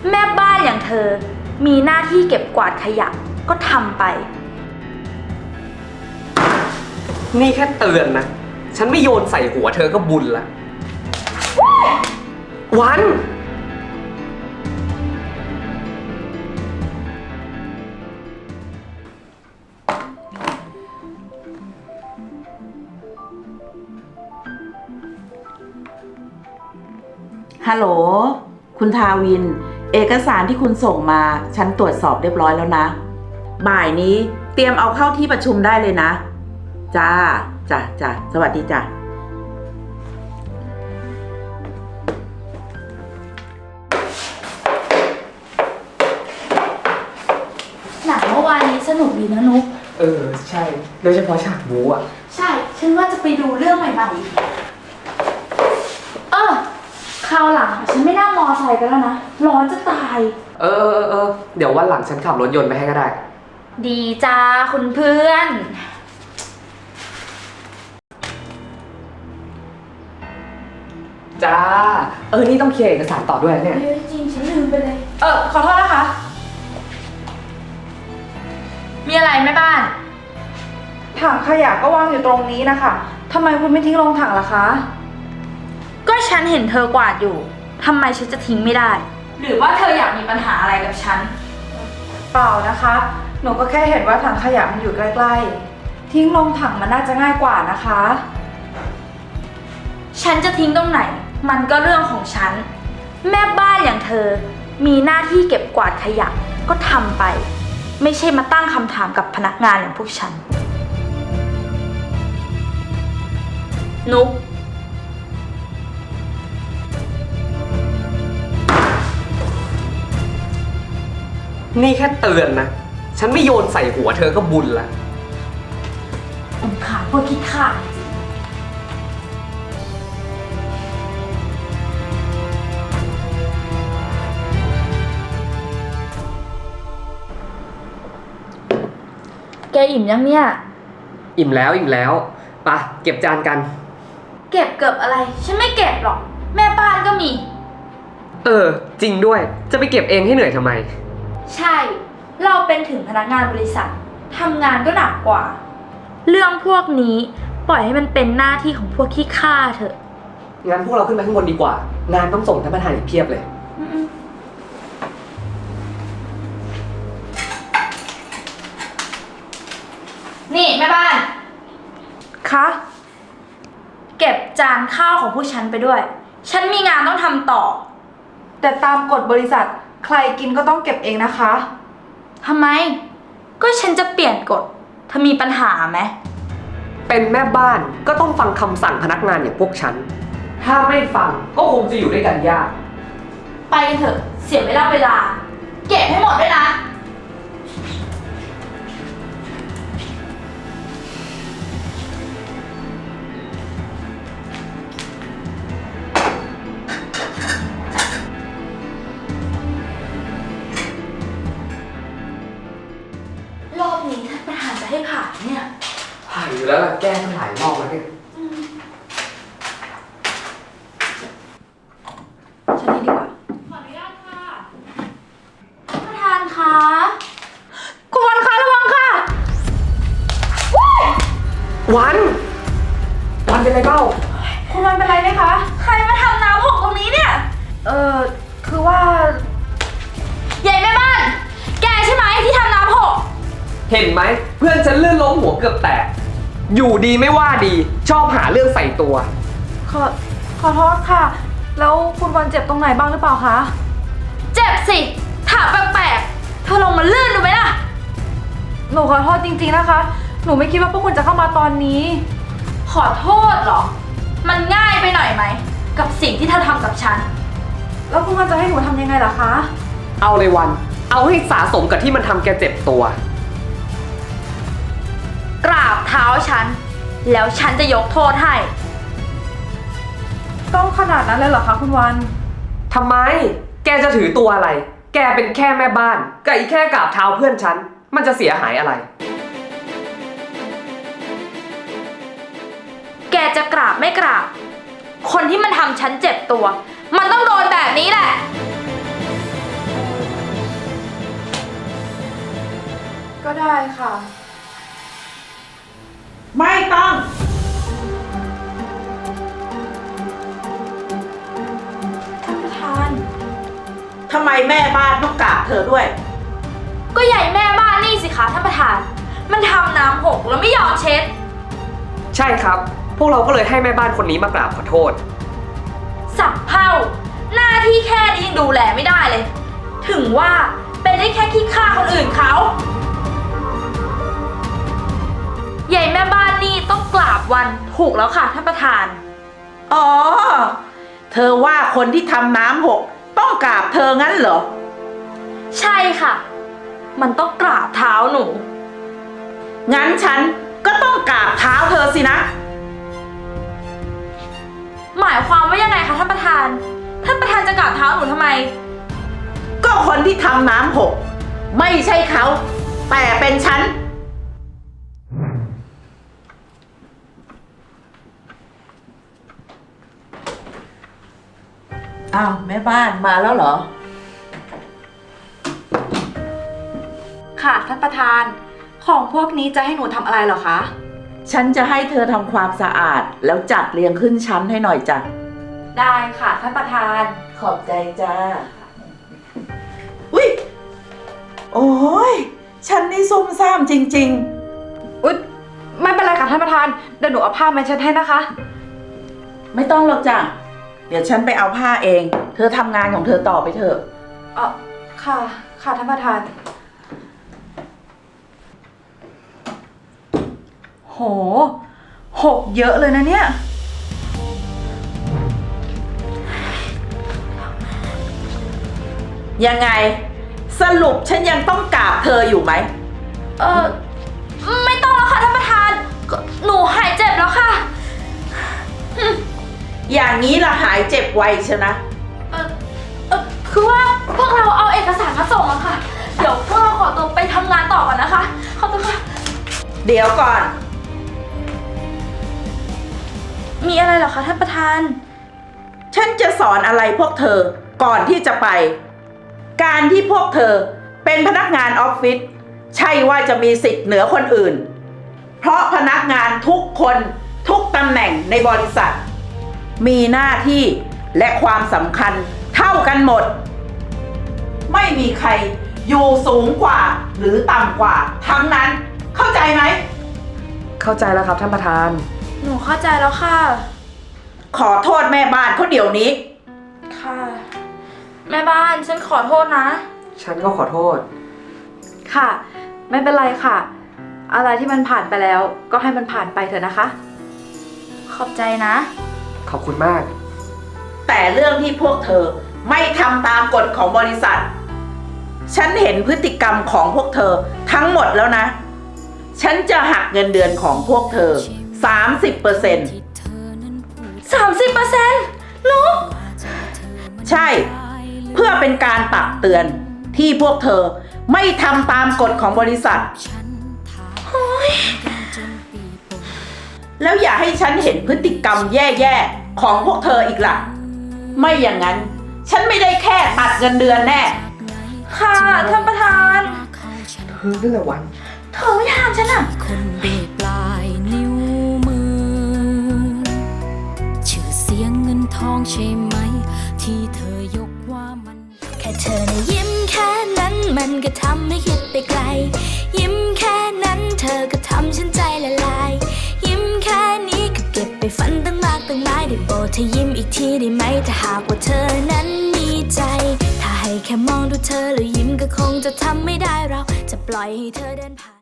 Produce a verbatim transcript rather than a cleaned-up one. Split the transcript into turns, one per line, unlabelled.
แม่บ้านอย่างเธอมีหน้าที่เก็บกวาดขยะก็ทำไป
นี่แค่เตือนนะฉันไม่โยนใส่หัวเธอก็บุญละวัน
ฮัลโหลคุณทาวินเอกสารที่คุณส่งมาฉันตรวจสอบเรียบร้อยแล้วนะบ่ายนี้เตรียมเอาเข้าที่ประชุมได้เลยนะจ้าจ้าจ้าสวัสดีจ้า
หนังเมื่อวานนี้สนุกดีนะนุ๊ก
เออใช่โดยเฉพาะฉากบู๊อ่ะ
ใช่ฉันว่าจะไปดูเรื่องใหม่ๆเออคราวหลังฉันไม่นั่งมอไซค์กันแล้วนะร้อนจะตาย
เออเออเออเดี๋ยววันหลังฉันขับรถยนต์ไปให้ก็ได้
ดีจ้าคุณเพื่อน
จ้าเออนี่ต้องเคลียร์เอกสารต่อด้วยเนี่ย
เฮ้ยจริงฉันลืมไปเลยเออขอโทษนะคะมีอะไรแม่บ้าน
ถังขยะก็วางอยู่ตรงนี้นะคะทำไมคุณไม่ทิ้งลงถังล่ะคะ
ก็ฉันเห็นเธอกวาดอยู่ทำไมฉันจะทิ้งไม่ได้หรือว่าเธออยากมีปัญหาอะไรกับฉัน
เปล่านะคะหนูก็แค่เห็นว่าถังขยะมันอยู่ใกล้ๆทิ้งลงถังมันน่าจะง่ายกว่านะคะ
ฉันจะทิ้งตรงไหนมันก็เรื่องของฉันแม่บ้านอย่างเธอมีหน้าที่เก็บกวาดขยะก็ทำไปไม่ใช่มาตั้งคำถามกับพนักงานอย่างพวกฉันนุ๊ก
นี่แค่เตือนนะฉันไม่โยนใส่หัวเธอก็บุญละ
ผมขาพวกคิดขาดแกอิ่มยังเนี่ย
อิ่มแล้วอิ่มแล้วไปเก็บจานกัน
เก็บเกือบอะไรฉันไม่เก็บหรอกแม่บ้านก็มี
เออจริงด้วยจะไปเก็บเองให้เหนื่อยทำไม
ใช่เราเป็นถึงพนักงานบริษัททำงานก็หนักกว่าเรื่องพวกนี้ปล่อยให้มันเป็นหน้าที่ของพวกขี้ข้าเถอะ
งั้นพวกเราขึ้นไปข้างบนดีกว่างานต้องส่งท่านประธานอีกเพียบเลย
นี่แม่บ้าน
คะ
เก็บจานข้าวของผู้ฉันไปด้วยฉันมีงานต้องทำต่อ
แต่ตามกฎบริษัทใครกินก็ต้องเก็บเองนะคะ
ทำไมก็ฉันจะเปลี่ยนกฎเธอมีปัญหาไหม
เป็นแม่บ้านก็ต้องฟังคำสั่งพนักงานอย่างพวกฉันถ้าไม่ฟังก็คงจะอยู่ด้วยกันยาก
ไปเถอะเสียเวลาเวลาเก็บให้หมดด้วยนะรอบนี้ท่านประธานจะให้ผ่านเนี่ย
ผ่านอยู่แล้วล่ะแก้ตั้งหลายรอบแล้วเนี่ย
ฉันนี่ดีกว่า
ขออนุญาตค่ะท่านประธานคะ
คุณวันคะระวังค่ะ
วันวันเป็นไรเปล่า
คุณวันเป็นไรไหมคะ
ใครมาทำน้ำหกตรงนี้เนี่ย
เออคือว่า
ใหญ่แม่บ้านแกใช่ไหมที่ทำน้ำหก
เห็นไหมเพื่อนฉันลื่นล้มหัวเกือบแตกอยู่ดีไม่ว่าดีชอบหาเรื่องใส่ตัว
ขอขอโทษค่ะแล้วคุณวันเจ็บตรงไหนบ้างหรือเปล่าคะ
เจ็บสิถามแปลกๆเธอลงมาลื่นดูไหมล่ะ
หนูขอโทษจริงๆนะคะหนูไม่คิดว่าพวกคุณจะเข้ามาตอนนี้
ขอโทษเหรอมันง่ายไปหน่อยไหมกับสิ่งที่เธอทำกับฉัน
แล้วคุณวันจะให้หนูทำยังไงล่ะคะ
เอาเลยวันเอาให้สะสมกับที่มันทำแกเจ็บตัว
กราบเท้าฉันแล้วฉันจะยกโทษให้
ต้องขนาดนั้นเลยเหรอคะคุณวัน
ทำไมแกจะถือตัวอะไรแกเป็นแค่แม่บ้านกับอีแค่กราบเท้าเพื่อนฉันมันจะเสียหายอะไร
แกจะกราบไม่กราบคนที่มันทำฉันเจ็บตัวมันต้องโดนแบบนี้แหละ
ค่ะ
ไม่ต้อง
ท่านประธาน
ทำไมแม่บ้านต้องกราบเธอด้วย
ก็ใหญ่แม่บ้านนี่สิคะท่านประธาน มันทำน้ำหกแล้วไม่ยอมเช็ด
ใช่ครับ พวกเราก็เลยให้แม่บ้านคนนี้มากราบขอโทษ
สับเผ่าหน้าที่แค่นี้ยังดูแลไม่ได้เลย ถึงว่าเป็นได้แค่ขี้ข้าคนอื่นเขาใหญ่แม่บ้านนี่ต้องกราบวันถูกแล้วค่ะท่านประธาน
อ๋อ เธอว่าคนที่ทำน้ำหกต้องกราบเธองั้นเหรอ
ใช่ค่ะ มันต้องกราบเท้าหนู
งั้นฉันก็ต้องกราบเท้าเธอสินะ
หมายความว่ายังไงคะท่านประธาน ท่านประธานจะกราบเท้าหนูทำไม
ก็คนที่ทำน้ำหกไม่ใช่เขา แต่เป็นฉัน อ้าว แม่บ้านมาแล้วเหรอ
ค่ะท่านประธาน ของพวกนี้จะให้หนูทำอะไรเหรอคะ
ฉันจะให้เธอทำความสะอาด แล้วจัดเรียงขึ้นชั้นให้หน่อยจ้ะ
ได้ค่ะท่านประธาน
ขอบใจจ้าอุ้ยโอ้ยฉันนี่ซุ่มซ่ามจริง
อุ๊ยไม่เป็นไรค่ะท่านประธาน เดี๋ยวหนูเอาผ้ามาเช็ดให้นะคะ
ๆ ไม่ต้องหรอกจ้ะ เดี๋ยวฉันไปเอาผ้าเอง เธอทำงานของเธอต่อไปเถอะ
เออค่ะ ค่ะท่านประธาน โห หกเยอะเลยนะเนี่ย
ยังไง สรุปฉันยังต้องกราบเธออยู่ไหม
เออไม่ต้องแล้วค่ะท่านประธานก็หนูหายเจ็บแล้วค่ะ
อย่างนี้ละหายเจ็บไวใช่นะ
เออเออคือว่าพวกเราเอาเอกสารมาส่งอะค่ะ เดี๋ยวพวกเราขอตัวไปทำงานต่อก่อนนะคะ ขอบคุณค่ะ
เดี๋ยวก่อน
มีอะไรเหรอคะท่านประธาน
ฉันจะสอนอะไรพวกเธอก่อนที่จะไป การที่พวกเธอเป็นพนักงานออฟฟิศใช่ว่าจะมีสิทธิ์เหนือคนอื่น เพราะพนักงานทุกคนทุกตำแหน่งในบริษัท มีหน้าที่และความสำคัญเท่ากันหมด ไม่มีใครอยู่สูงกว่าหรือต่ำกว่าทั้งนั้น เข้าใจไหม
เข้าใจแล้วครับท่านประธาน
หนูเข้าใจแล้วค่ะ
ขอโทษแม่บ้านเขาเดี๋ยวนี้
ค่ะ แม่บ้านฉันขอโทษนะ
ฉันก็ขอโทษ
ค่ะ ไม่เป็นไรค่ะ อะไรที่มันผ่านไปแล้ว ก็ให้มันผ่านไปเถอะนะคะ
ขอบใจนะ
ขอบคุณมาก
แต่เรื่องที่พวกเธอไม่ทำตามกฎของบริษัท ฉันเห็นพฤติกรรมของพวกเธอทั้งหมดแล้วนะ ฉันจะหักเงินเดือนของพวกเธอ สามสิบเปอร์เซ็นต์
สามสิบเปอร์เซ็นต์ลูก
ใช่ เพื่อเป็นการตักเตือนที่พวกเธอไม่ทำตามกฎของบริษัท แล้วอย่าให้ฉันเห็นพฤติกรรมแย่ๆของพวกเธออีกล่ะ ไม่อย่างนั้น ฉันไม่ได้แค่ตัดเงินเดือนแน่
ค่ะท่านประธาน
เธอเรื่องอะไรวัน
เธอไม่ทำฉันอะ
คนด้วยปลายนิ้วมือ ชื่อเสียงเงินทองใช่ไหม ที่เธอยกว่ามัน แค่เธอนะยิ้มแค่นั้นมันก็ทำให้คิดไปไกล ยิ้มแค่นั้นเธอก็ทำฉันใจละลาย ยิ้มแค่นี้ก็เก็บไปฝันตั้งมากตั้งหลายได้โปรดเธอยิ้มอีกทีได้ไหมถ้าหากว่าเธอนั้นมีใจ ถ้าให้แค่มองดูเธอแล้วยิ้มก็คงจะทำไม่ได้เราจะปล่อยให้เธอเดินผ่าน